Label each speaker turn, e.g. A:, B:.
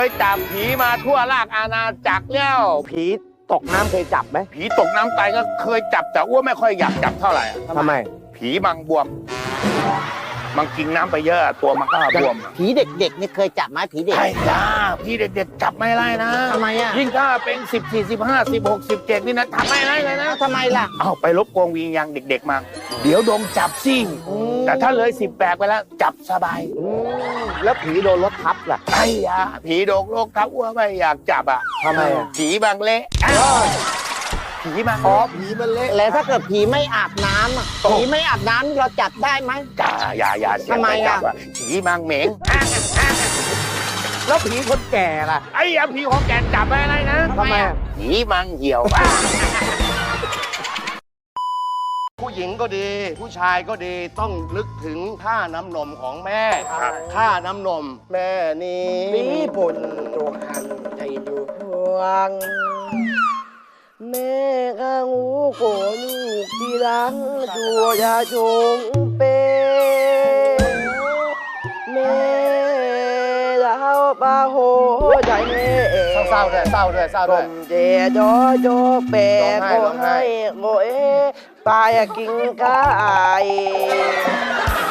A: เคยจับผีมาทั่วราชอาณาจักรแล้ว
B: ผีตกน้ำเคยจับไหม
A: ผีตกน้ำตายก็เคยจับแต่อ้วนไม่ค่อยอยากจับเท่าไหร่
B: ทำไม
A: ผีมังบวมมันกินน้ำไปเยอะตัวมันก็บวม
C: ผีเด็กๆนี่เคยจับไหมผีเด็ก
A: ใช่จ้าพี่เด็กๆจับไม่ได้นะ
C: ทำไมอ่ะ
A: ยิ่งถ้าเป็น14 15 16 17นี่นะทำไม่ได้เลยนะ
C: ทำไมล่ะ
A: เอาไปลบกวงวิญญาณเด็กๆมาเดี๋ยวโดนจับสิแต่ถ้าเลย18ไปแล้วจับสบาย
B: แล้วผีโดนรถทับล่ะ
A: ไอ้ยาผีโดกโลกทับอ้วนไม่อยากจับอ่ะ
B: ทำไมอ่ะ
A: ผีบางเละผีบาง
B: อ๋อ
A: เละ
B: ผีมันเละ
C: แล้วถ้าเกิดผีไม่อาบน้ำอะผีไม่อาบน้ำเราจับได้ไหม
A: จ้าอย่าเสีย
C: ทำไม
A: ไป
C: อะ
A: จับอ่ะผีบางเหม็ง
B: แล้วผีคนแก่ล่ะ
A: ไอ้ยาผีของแกจับไม่ได้นะ
B: ทำไมอ่ะ
A: ผีบางเหี่ยว
D: ผู้หญิงก็ดี ผู้ชายก็ดีต้องนึกถึงท่าน้ำนมของแม่ท่าน้ำนม แม่นี้มีผลจงหันใจดูพวง แม่ข้างูโกลูกที่รังชัวยาชงเปแม่ดาวปาโหใจแม่เศร้าด้วยเศร้าด้วยเศร้าด้วยเจโจโจเปโกให้โกเอปายกินกาย